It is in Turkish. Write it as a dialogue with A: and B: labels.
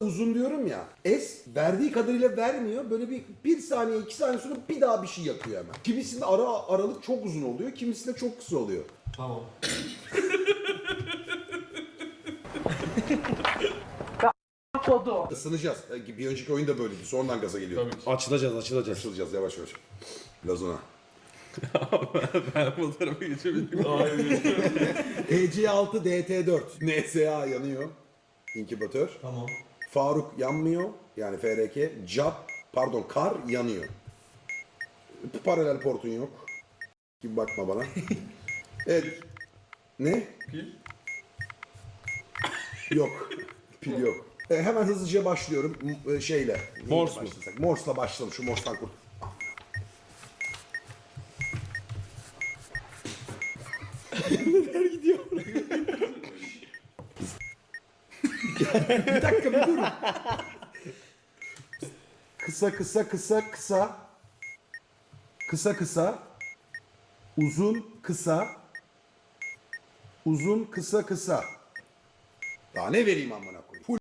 A: uzun diyorum ya. S verdiği kadarıyla vermiyor. Böyle bir saniye 2 saniye sonra bir daha bir şey yakıyor hemen. Kimisinde aralık çok uzun oluyor. Kimisinde çok kısa oluyor.
B: Tamam.
C: Kodu.
A: Isınacağız. Bir önceki oyun da böyleydi. Sonradan gaza geliyor.
B: Tabii ki.
D: Açılacağız.
A: Açılacağız yavaş yavaş. Lazona.
D: Ben bu tarafa geçebilir miyim?
A: TC6 DT4. NSA yanıyor. İnkübatör.
B: Tamam.
A: Faruk yanmıyor. Yani FRK. Kar yanıyor. Paralel portun yok. Gibi bakma bana. Evet. Ne?
B: Pil.
A: Yok. Pil yok. Hemen hızlıca başlıyorum. Şeyle.
D: Morse mu?
A: Morse'la başlayalım. Şu Morse'tan kurt. Bir dakika bir durun. Kısa. Kısa. Uzun kısa. Daha ne vereyim amına koyayım?